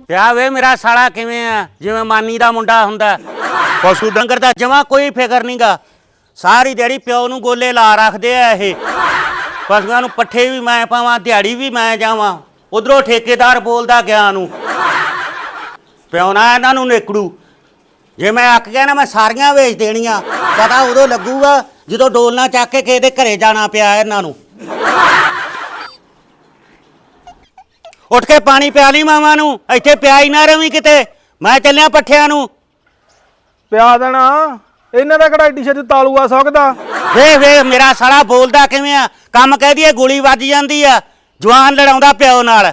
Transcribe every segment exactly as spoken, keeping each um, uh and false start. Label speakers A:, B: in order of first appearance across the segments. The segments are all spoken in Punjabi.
A: ਪਿਆ ਵੇ ਮੇਰਾ ਸਾਲਾ ਕਿਵੇਂ ਆ ਜਿਵੇਂ ਮਾਨੀ ਦਾ ਮੁੰਡਾ ਹੁੰਦਾ। ਪਸ਼ੂ ਡੰਗਰ ਦਾ ਜਮਾ ਕੋਈ ਫਿਕਰ ਨਹੀਂਗਾ। ਸਾਰੀ ਦਿਹਾੜੀ ਪਿਓ ਨੂੰ ਗੋਲੇ ਲਾ ਰੱਖਦੇ ਆ ਇਹ। ਪਸ਼ੂਆਂ ਨੂੰ ਪੱਠੇ ਵੀ ਮੈਂ ਪਾਵਾਂ, ਦਿਹਾੜੀ ਵੀ ਮੈਂ ਜਾਵਾਂ। ਉਧਰੋਂ ਠੇਕੇਦਾਰ ਬੋਲਦਾ ਗਿਆ ਨੂੰ ਪਿਓ ਨਾ ਇਹਨਾਂ ਨੂੰ ਨੇਕੜੂ। ਜੇ ਮੈਂ ਅੱਕ ਗਿਆ ਨਾ ਮੈਂ ਸਾਰੀਆਂ ਵੇਚ ਦੇਣੀਆਂ। ਪਤਾ ਉਦੋਂ ਲੱਗੂਗਾ ਜਦੋਂ ਡੋਲਣਾ ਚੱਕ ਕੇ ਕਿਸੇ ਦੇ ਘਰੇ ਜਾਣਾ ਪਿਆ ਇਹਨਾਂ ਨੂੰ। ਉੱਠ ਕੇ ਪਾਣੀ ਪਿਆ ਲਈ ਮਾਵਾਂ ਨੂੰ। ਇੱਥੇ ਪਿਆ ਹੀ ਨਾ ਰਵੀਂ ਕਿਤੇ। ਮੈਂ ਚੱਲਿਆ ਪੱਠਿਆਂ ਨੂੰ।
B: ਪਿਆ ਦੇਣਾ ਇਹਨਾਂ ਦਾ ਕਿਹੜਾ ਏਡੀ ਛੇਤੀ ਤਾਲੂ ਆ ਸਕਦਾ।
A: ਵੇਖ ਵੇਖ ਮੇਰਾ ਸਾਲਾ ਬੋਲਦਾ ਕਿਵੇਂ ਆ। ਕੰਮ ਕਹਿ ਦਈਏ ਗੋਲੀ ਵੱਜ ਜਾਂਦੀ ਆ। ਜਵਾਨ ਲੜਾਉਂਦਾ ਪਿਓ ਨਾਲ।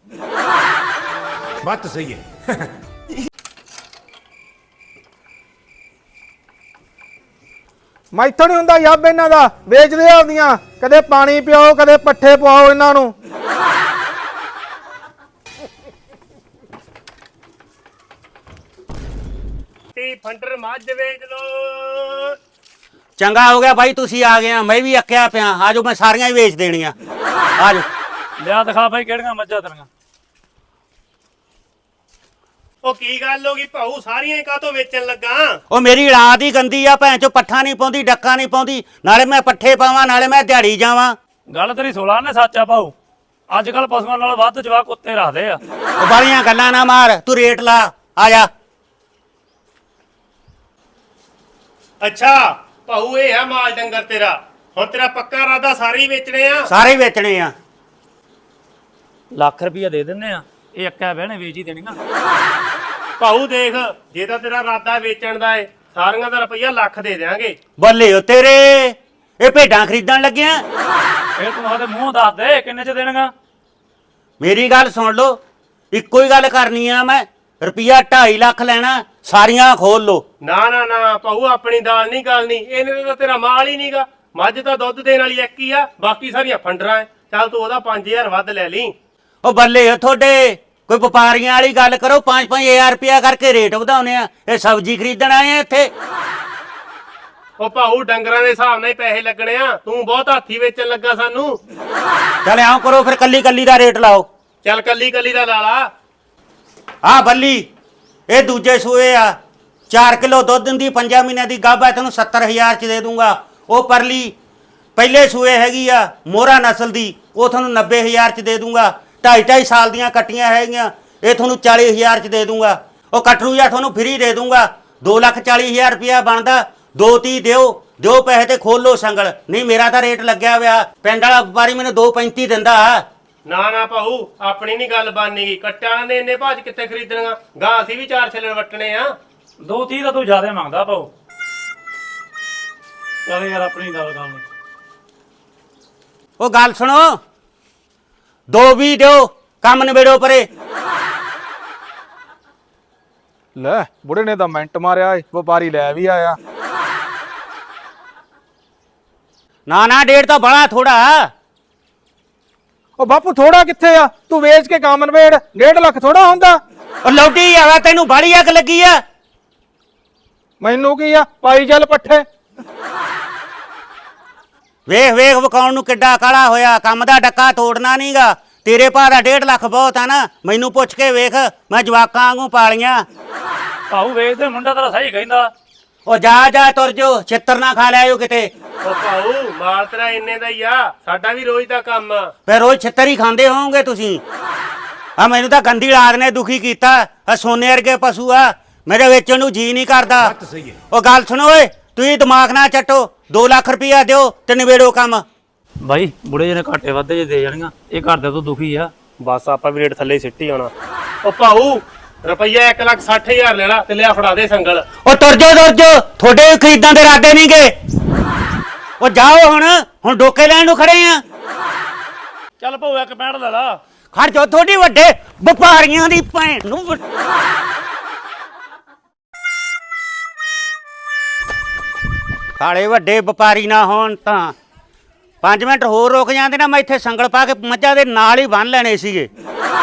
C: ਬਾਤ ਤਾਂ ਸਹੀ ਹੈ।
B: ਮੈਥੋਂ ਨਹੀਂ ਹੁੰਦਾ ਯੱਬ ਇਹਨਾਂ ਦਾ। ਵੇਚਦੇ ਆਉਂਦੀਆਂ ਕਦੇ ਪਾਣੀ ਪਿਆਓ ਕਦੇ ਪੱਠੇ ਪਵਾਓ ਇਹਨਾਂ ਨੂੰ।
D: ਫੰਡਰ ਮੱਝ ਵੇਚ ਲੋ।
A: ਚੰਗਾ ਹੋ ਗਿਆ ਬਾਈ ਤੁਸੀਂ ਆ ਗਏ। ਮੈਂ ਵੀ ਅੱਕਿਆ ਪਿਆ। ਆਜੋ ਮੈਂ ਸਾਰੀਆਂ ਹੀ ਵੇਚ ਦੇਣੀਆਂ। ਆਜੋ
E: ਲਿਆ ਦਿਖਾ ਬਾਈ ਕਿਹੜੀਆਂ ਮੱਝਾਂ ਤੇਰੀਆਂ।
D: ਉਹ ਕੀ ਗੱਲ ਹੋ ਗਈ ਭਾਊ, ਸਾਰੀਆਂ ਹੀ ਕਾਹਤੋਂ ਵੇਚਣ ਲੱਗਾ?
A: ਉਹ ਮੇਰੀ ਔਲਾਦ ਹੀ ਗੰਦੀ ਆ। ਭੈਣ ਚੋ ਪੱਠਾ ਨਹੀਂ ਪਾਉਂਦੀ, ਡੱਕਾ ਨਹੀਂ ਪਾਉਂਦੀ। ਨਾਲੇ ਮੈਂ ਪੱਠੇ ਪਾਵਾਂ ਨਾਲੇ ਮੈਂ ਦਿਹਾੜੀ ਜਾਵਾਂ।
E: ਗੱਲ ਤੇਰੀ ਸੋਲਾਂ ਨੇ ਸੱਚ ਆ ਭਾਊ। ਅੱਜ ਕੱਲ ਪਸ਼ੂਆਂ ਨਾਲ ਵੱਧ ਜਵਾਕ ਕੁੱਤੇ ਰੱਖਦੇ ਆ।
A: ਉਹ ਬਾਲੀਆਂ ਗੱਲਾਂ ਨਾ ਮਾਰ, ਤੂੰ ਰੇਟ ਲਾ। ਆ ਜਾ।
D: ਅੱਛਾ ਭਾਊ ਇਹ ਆ ਮਾਲ ਡੰਗਰ ਤੇਰਾ। ਹੁਣ ਤੇਰਾ ਪੱਕਾ ਇਰਾਦਾ ਸਾਰੇ ਹੀ ਵੇਚਣੇ ਆ?
A: ਸਾਰੇ ਹੀ ਵੇਚਣੇ ਆ।
E: ਲੱਖ ਰੁਪਈਆ ਦੇ ਦਿੰਨੇ ਆ। ਇਹ ਅੱਕਾ ਬਹਿਣੇ ਵੇਚ ਹੀ ਦੇਣੀਆਂ।
D: ਭਾਊ ਦੇਖ, ਜੇ ਤਾਂ ਤੇਰਾ ਇਰਾਦਾ ਵੇਚਣ ਦਾ ਏ ਸਾਰੀਆਂ ਦਾ ਰੁਪਈਆ ਲੱਖ ਦੇ ਦੇਾਂਗੇ।
A: ਬੱਲੇ ਓ ਤੇਰੇ, ਇਹ ਭੇਡਾਂ ਖਰੀਦਣ ਲੱਗਿਆ।
E: ਇਹ ਤੂੰ ਉਹਦੇ ਮੂੰਹ ਦੱਸ ਦੇ ਕਿੰਨੇ ਚ ਦੇਣਗਾ।
A: ਮੇਰੀ ਗੱਲ ਸੁਣ ਲਓ, ਇੱਕੋ ਹੀ ਗੱਲ ਕਰਨੀ ਆ ਮੈਂ। ਰੁਪਈਆ ਢਾਈ ਲੱਖ ਲੈਣਾ, ਸਾਰੀਆਂ ਖੋਲ ਲੋ।
D: ਨਾ ਨਾ ਨਾ ਭਾਊ, ਆਪਣੀ ਦਾਲ ਨਹੀਂ ਗਲਣੀ। ਇਹਨੇ ਤਾਂ ਤੇਰਾ ਮਾਲ ਹੀ ਨਹੀਂਗਾ। ਮੱਝ ਤਾਂ ਦੁੱਧ ਦੇਣ ਵਾਲੀ ਇੱਕ ਹੀ ਆ, ਬਾਕੀ ਸਾਰੀਆਂ ਫੰਡਰਾਂ ਐ। ਚੱਲ ਤੂੰ ਉਹਦਾ ਪੰਜ ਹਜ਼ਾਰ ਵੱਧ ਲੈ ਲਈ।
A: ਉਹ ਬੱਲੇ ਓ ਤੁਹਾਡੇ, ਕੋਈ ਵਪਾਰੀਆਂ ਵਾਲੀ ਗੱਲ ਕਰੋ। ਪੰਜ ਪੰਜ ਹਜ਼ਾਰ ਰੁਪਇਆ ਕਰਕੇ ਰੇਟ ਵਧਾਉਣੇ ਆ। ਇਹ ਸਬਜ਼ੀ ਖਰੀਦਣ ਆਏ ਆ ਇੱਥੇ।
D: ਉਹ ਭਾਊ ਡੰਗਰਾਂ ਦੇ ਹਿਸਾਬ ਨਾਲ ਹੀ ਪੈਸੇ ਲੱਗਣੇ ਆ। ਤੂੰ ਬਹੁਤ ਹਾਥੀ ਵੇਚਣ ਲੱਗਾ ਸਾਨੂੰ।
A: ਚੱਲ ਆਓ ਕਰੋ ਫਿਰ, ਕੱਲੀ ਕੱਲੀ ਦਾ ਰੇਟ ਲਾਓ।
D: ਚੱਲ ਕੱਲੀ ਕੱਲੀ ਦਾ ਲਾ ਲਾ।
A: ਆ ਬੱਲੀ ਇਹ ਦੂਜੇ ਸੂਏ ਆ। ਚਾਰ ਕਿਲੋ ਦੁੱਧ ਦਿੰਦੀ, ਪੰਜਾਂ ਮਹੀਨਿਆਂ ਦੀ ਗੱਭ ਹੈ। ਤੈਨੂੰ ਸੱਤਰ ਹਜ਼ਾਰ ਚ ਦੇ ਦੂੰਗਾ। ਉਹ ਪਰਲੀ ਪਹਿਲੇ ਸੂਏ ਹੈਗੀ ਆ ਮੋਹਰਾ ਨਸਲ ਦੀ, ਉਹ ਤੁਹਾਨੂੰ ਨੱਬੇ ਹਜ਼ਾਰ ਚ ਦੇ ਦੂੰਗਾ। ਢਾਈ ਢਾਈ ਸਾਲ ਦੀਆਂ ਕੱਟੀਆਂ ਹੈਗੀਆਂ, ਇਹ ਤੁਹਾਨੂੰ ਚਾਲੀ ਹਜ਼ਾਰ ਚ ਦੇ ਦੂੰਗਾ। ਉਹ ਕਟਰੂ ਜਾਂ ਤੁਹਾਨੂੰ ਫਰੀ ਦੇ ਦੂੰਗਾ। ਦੋ ਲੱਖ ਚਾਲੀ ਹਜ਼ਾਰ ਰੁਪਇਆ ਬਣਦਾ। ਦੋ ਤੀਹ ਦਿਓ ਦਿਓ ਪੈਸੇ ਤੇ ਖੋਲੋ ਸੰਗਲ। ਨਹੀਂ ਮੇਰਾ ਤਾਂ ਰੇਟ ਲੱਗਿਆ ਹੋਇਆ। ਪਿੰਡ ਵਾਲਾ ਵਪਾਰੀ ਮੈਨੂੰ ਦੋ ਪੈਂਤੀ ਦਿੰਦਾ।
D: ਨਾ ਨਾ ਭਾਊ, ਆਪਣੀ ਨਹੀਂ ਗੱਲ ਬਣਨੀ। ਕੱਟਿਆਂ ਨੇ ਇੰਨੇ ਭਾਜ ਕਿੱਥੇ ਖਰੀਦਣਗਾ। ਗਾਂ ਅਸੀਂ ਵੀ ਚਾਰ ਛੱਲਣ ਵੱਟਣੇ ਆ।
E: ਦੋ ਤੀਹ ਦਾ ਤੂੰ ਜ਼ਿਆਦਾ ਮੰਗਦਾ ਭਾਊ। ਚੱਲ ਯਾਰ ਆਪਣੀ ਗੱਲ ਕਰ ਲਈ।
A: ਉਹ ਗੱਲ ਸੁਣੋ, ਦੋ ਵੀ ਦਿਓ, ਕੰਮ ਨਿਬੇੜੋ ਪਰੇ।
B: ਲੈ ਬੁੜੇ ਨੇ ਤਾਂ ਮਿੰਟ ਮਾਰਿਆ ਏ। ਵਪਾਰੀ ਲੈ ਵੀ ਆਇਆ।
A: ਨਾ ਨਾ ਡੇਢ ਤਾਂ ਬੜਾ ਥੋੜਾ।
B: ਉਹ ਬਾਪੂ ਥੋੜਾ ਕਿੱਥੇ ਆ, ਤੂੰ ਵੇਚ ਕੇ ਕੰਮ ਨਵੇੜ। ਡੇਢ ਲੱਖ ਥੋੜਾ ਹੁੰਦਾ।
A: ਉਹ ਲੌਟੀ ਆਵਾ, ਤੈਨੂੰ ਬਾੜੀ ਅੱਗ ਲੱਗੀ ਆ।
B: ਮੈਨੂੰ ਕੀ ਆ, ਪਾਈ ਚੱਲ ਪੱਠੇ।
A: ਵੇਖ ਵੇਖ ਵਿਕਾਉਣ ਨੂੰ ਕਿੱਡਾ ਕਾਲਾ ਹੋਇਆ। ਕੰਮ ਦਾ ਡੱਕਾ ਤੋੜਨਾ ਨਹੀਂਗਾ। ਤੇਰੇ ਭਾ ਦਾ ਡੇਢ ਲੱਖ ਬਹੁਤ ਆ ਨਾ। ਮੈਨੂੰ ਪੁੱਛ ਕੇ ਵੇਖ, ਮੈਂ ਜਵਾਕਾਂ ਵਾਂਗੂ ਪਾਲੀਆਂ।
E: ਭਾਊ ਵੇਚਦੇ ਮੁੰਡਾ ਤੇਰਾ ਸਹੀ ਕਹਿੰਦਾ।
A: ਉਹ ਜਾ ਜਾ ਤੁਰ ਜੋ, ਛਿੱਤਰ ਨਾ ਖਾ ਲਿਆਇਓ ਕਿਤੇ।
D: ਉਹ ਭਾਊ ਮਾਲ ਤੇਰਾ ਇੰਨੇ ਦਾ ਹੀ ਆ। ਸਾਡਾ ਵੀ ਰੋਜ਼ ਦਾ ਕੰਮ ਆ।
A: ਫਿਰ ਰੋਜ਼ ਛਿੱਤਰ ਹੀ ਖਾਂਦੇ ਹੋਵੋਗੇ ਤੁਸੀਂ। ਆ ਮੈਨੂੰ ਤਾਂ ਗੰਦੀ ਔਲਾਦ ਨੇ ਦੁਖੀ ਕੀਤਾ। ਆ ਸੋਨੇ ਵਰਗੇ ਪਸ਼ੂ ਆ, ਮੇਰੇ ਵੇਚਣ ਨੂੰ ਜੀ ਨਹੀਂ ਕਰਦਾ।
C: ਬਾਤ ਤਾਂ ਸਹੀ ਹੈ।
A: ਉਹ ਗੱਲ ਸੁਣੋ ਓਏ, ਤੁਸੀਂ ਦਿਮਾਗ ਨਾ ਚੱਟੋ। ਦੋ ਲੱਖ ਰੁਪਇਆ ਦਿਓ ਤੇ ਨਿਬੇੜੋ ਕੰਮ।
E: ਬਾਈ ਬੁੜੇ ਜਿਹੇ ਘਾਟੇ ਵਾਧੇ ਜੇ ਦੇ ਜਾਣੀਆਂ। ਇਹ ਘਰ ਦੇ ਤੋਂ ਦੁਖੀ ਆ।
D: ਬਸ ਆਪਾਂ ਵੀ ਰੇਟ ਥੱਲੇ ਸਿੱਟੀ ਆਉਣਾ। ਉਹ ਭਾਊ ਰੁਪਈਆ ਇੱਕ ਲੱਖ ਸੱਠ ਹਜ਼ਾਰ ਲੈ ਲਾ ਤੇ ਲਿਆ ਫੜਾ ਦੇ ਸੰਗਲ।
A: ਉਹ ਤੁਰ ਜੋ ਤੁਰ ਜੋ, ਤੁਹਾਡੇ ਵੀ ਖਰੀਦਾਂ ਦੇ ਇਰਾਦੇ ਨਹੀਂਗੇ। ਉਹ ਜਾਓ ਹੁਣ ਹੁਣ ਡੋਕੇ ਲੈਣ ਨੂੰ ਖੜੇ ਆ।
E: ਚੱਲ ਭਾਊ ਇੱਕ ਪੈਂਟ ਲੈ ਲਾ।
A: ਖੜ ਜੋ, ਤੁਹਾਡੀ ਵੱਡੇ ਵਪਾਰੀਆਂ ਦੀ ਭੈਣ ਨੂੰ। ਸਾਲੇ ਵੱਡੇ ਵਪਾਰੀ ਨਾ ਹੋਣ ਤਾਂ ਪੰਜ ਮਿੰਟ ਹੋਰ ਰੁਕ ਜਾਂਦੇ ਨਾ, ਮੈਂ ਇੱਥੇ ਸੰਗਲ ਪਾ ਕੇ ਮੱਝਾਂ ਦੇ ਨਾਲ ਹੀ ਬੰਨ ਲੈਣੇ ਸੀਗੇ।